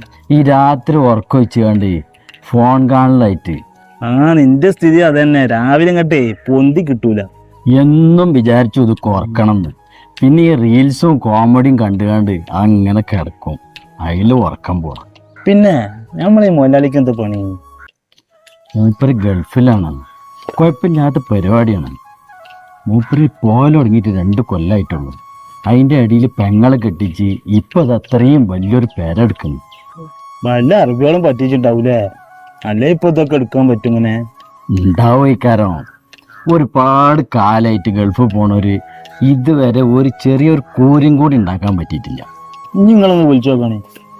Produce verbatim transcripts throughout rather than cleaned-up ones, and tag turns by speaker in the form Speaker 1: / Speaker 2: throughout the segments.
Speaker 1: ഈ രാത്രി ഉറക്കം വെച്ച് കണ്ട് ഫോൺ കാണലായിട്ട്.
Speaker 2: ആ നിന്റെ സ്ഥിതി അതന്നെ. രാവിലെ ഇങ്ങട്ടെ പൊന്തി കിട്ടൂല.
Speaker 1: എന്നും വിചാരിച്ചു ഇത് കുറക്കണം എന്ന്. പിന്നെ ഈ റീൽസും കോമഡിയും കണ്ടു കണ്ട് അങ്ങനെ കിടക്കും. അതിൽ ഉറക്കം പോണം.
Speaker 2: പിന്നെ നമ്മളീ മുതലാളിക്ക് എന്താ പണി?
Speaker 1: മൂപ്പര് ഗൾഫിലാണ്. കുഴപ്പമില്ലാത്ത പരിപാടിയാണ്. മൂപ്പര് പോകാൻ തുടങ്ങിയിട്ട് രണ്ട് കൊല്ലമായിട്ടുള്ളൂ. അതിൻ്റെ ഇടയിൽ പെങ്ങളെ കെട്ടിച്ച് ഇപ്പം അത് അത്രയും വലിയൊരു പേരെടുക്കുന്നു.
Speaker 2: വല്ല അറബികളും പറ്റിച്ചിട്ടുണ്ടാവൂലേ? അല്ലേ ഇപ്പൊ ഇതൊക്കെ എടുക്കാൻ പറ്റും? ഇങ്ങനെ
Speaker 1: ഉണ്ടാവും. ഇക്കാരം ഒരുപാട് കാലമായിട്ട് ഗൾഫിൽ പോണവര് ഇതുവരെ ഒരു ചെറിയൊരു കൂരും കൂടി ഉണ്ടാക്കാൻ പറ്റിയിട്ടില്ല.
Speaker 2: ഇനി നിങ്ങളൊന്ന് വിളിച്ചു നോക്കണേ.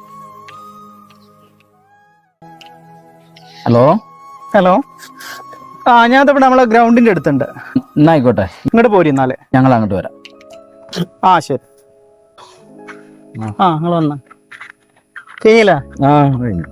Speaker 1: Hello
Speaker 3: hello. ആ ഞാൻ ഇവിടെ നമ്മളെ ഗ്രൗണ്ടിന്റെ അടുത്തുണ്ട്.
Speaker 1: എന്നായിക്കോട്ടെ,
Speaker 3: ഇങ്ങോട്ട് പോരി എന്നാലേ.
Speaker 1: ഞങ്ങൾ അങ്ങോട്ട് വരാം.
Speaker 3: ആ ശരി. ആ നിങ്ങൾ വന്ന കഴിഞ്ഞില്ല?
Speaker 1: ആ കഴിഞ്ഞു.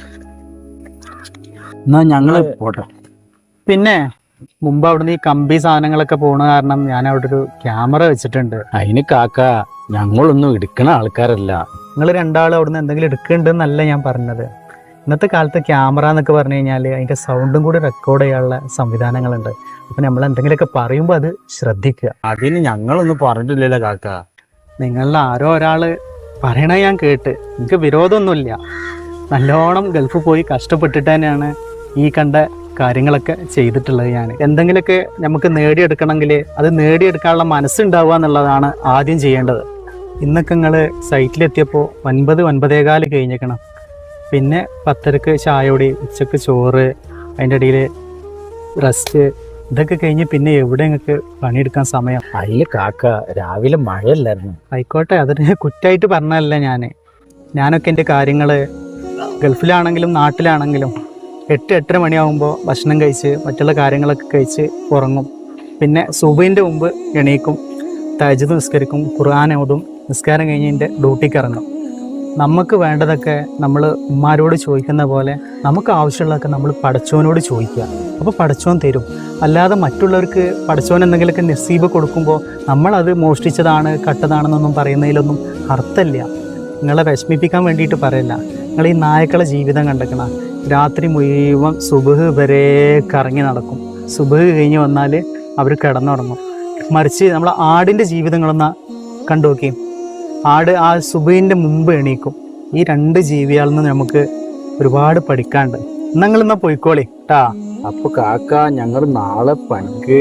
Speaker 1: എന്നാ ഞങ്ങള് പോട്ടെ.
Speaker 3: പിന്നെ മുമ്പ് അവിടുന്ന് ഈ കമ്പി സാധനങ്ങളൊക്കെ പോണ കാരണം ഞാൻ അവിടെ ഒരു ക്യാമറ വെച്ചിട്ടുണ്ട്.
Speaker 1: അതിന് കാക്ക ഞങ്ങളൊന്നും എടുക്കണ ആൾക്കാരല്ല.
Speaker 3: നിങ്ങൾ രണ്ടാളും അവിടുന്ന് എന്തെങ്കിലും എടുക്കുന്നുണ്ടെന്നല്ല ഞാൻ പറഞ്ഞത്. ഇന്നത്തെ കാലത്ത് ക്യാമറ എന്നൊക്കെ പറഞ്ഞു കഴിഞ്ഞാൽ അതിൻ്റെ സൗണ്ടും കൂടി റെക്കോർഡ് ചെയ്യാനുള്ള സംവിധാനങ്ങളുണ്ട്. അപ്പം നമ്മൾ എന്തെങ്കിലുമൊക്കെ പറയുമ്പോൾ അത് ശ്രദ്ധിക്കുക.
Speaker 1: അതിന് ഞങ്ങളൊന്നും പറഞ്ഞിട്ടില്ലല്ലോ കാക്ക.
Speaker 3: നിങ്ങളിൽ ആരോ ഒരാൾ പറയണത് ഞാൻ കേട്ട്. എനിക്ക് വിരോധമൊന്നുമില്ല. നല്ലോണം ഗൾഫിൽ പോയി കഷ്ടപ്പെട്ടിട്ട് തന്നെയാണ് ഈ കണ്ട കാര്യങ്ങളൊക്കെ ചെയ്തിട്ടുള്ളത്. ഞാൻ എന്തെങ്കിലുമൊക്കെ നമുക്ക് നേടിയെടുക്കണമെങ്കിൽ അത് നേടിയെടുക്കാനുള്ള മനസ്സുണ്ടാവുക എന്നുള്ളതാണ് ആദ്യം ചെയ്യേണ്ടത്. ഇന്നൊക്കെ നിങ്ങൾ സൈറ്റിലെത്തിയപ്പോൾ ഒൻപത് ഒൻപതേകാല് കഴിഞ്ഞേക്കണം. പിന്നെ പത്തരക്ക് ചായയോടി, ഉച്ചക്ക് ചോറ്, അതിൻ്റെ ഇടയിൽ റെസ്റ്റ്, ഇതൊക്കെ കഴിഞ്ഞ് പിന്നെ എവിടെ നിങ്ങൾക്ക് പണിയെടുക്കാൻ സമയം?
Speaker 1: അതിൽ കാക്ക രാവിലെ മഴയല്ലായിരുന്നു.
Speaker 3: ആയിക്കോട്ടെ, അതിന് കുറ്റമായിട്ട് പറഞ്ഞതല്ല ഞാൻ. ഞാനൊക്കെ എൻ്റെ കാര്യങ്ങൾ ഗൾഫിലാണെങ്കിലും നാട്ടിലാണെങ്കിലും എട്ട് എട്ടര മണിയാകുമ്പോൾ ഭക്ഷണം കഴിച്ച് മറ്റുള്ള കാര്യങ്ങളൊക്കെ കഴിച്ച് ഉറങ്ങും. പിന്നെ സുബഹിൻ്റെ മുമ്പ് എണീക്കും, തഹജ്ജുദ് നിസ്കരിക്കും, ഖുർആൻ ഓതും. നിസ്കാരം കഴിഞ്ഞ് എൻ്റെ ഡ്യൂട്ടിക്ക് ഇറങ്ങും. നമുക്ക് വേണ്ടതൊക്കെ നമ്മൾ ഉമ്മാരോട് ചോദിക്കുന്ന പോലെ നമുക്ക് ആവശ്യമുള്ളതൊക്കെ നമ്മൾ പടച്ചോനോട് ചോദിക്കുക. അപ്പോൾ പടച്ചോൻ തരും. അല്ലാതെ മറ്റുള്ളവർക്ക് പടച്ചോൻ എന്തെങ്കിലുമൊക്കെ നസീബ് കൊടുക്കുമ്പോൾ നമ്മളത് മോഷ്ടിച്ചതാണ് കട്ടതാണെന്നൊന്നും പറയുന്നതിലൊന്നും അർത്ഥമില്ല. നിങ്ങളെ വിഷമിപ്പിക്കാൻ വേണ്ടിയിട്ട് പറയില്ല. നിങ്ങൾ ഈ നായക്കളെ ജീവിതം കണ്ടെക്കണം. രാത്രി മുഴുവൻ സുബഹ് വരെ കറങ്ങി നടക്കും. സുബഹ് കഴിഞ്ഞ് വന്നാൽ അവർ കിടന്നുറങ്ങും. മറിച്ച് നമ്മൾ ആടിൻ്റെ ജീവിതങ്ങളൊന്ന് കണ്ടു നോക്കി. ആട് ആ സുബഹിൻ്റെ മുമ്പ് എണീക്കും. ഈ രണ്ട് ജീവികളിൽ നിന്ന് നമുക്ക് ഒരുപാട് പഠിക്കാണ്ട്. നിങ്ങളിന്നാ പോയിക്കോളി ട്ടാ.
Speaker 1: അപ്പൊ കാക്ക ഞങ്ങൾ നാളെ പണിക്ക്.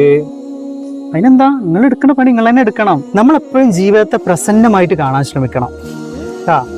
Speaker 3: അതിനെന്താ, നിങ്ങൾ എടുക്കണ പണി നിങ്ങൾ തന്നെ എടുക്കണം. നമ്മളെപ്പോഴും ജീവിതത്തെ പ്രസന്നമായിട്ട് കാണാൻ ശ്രമിക്കണം ട്ടാ.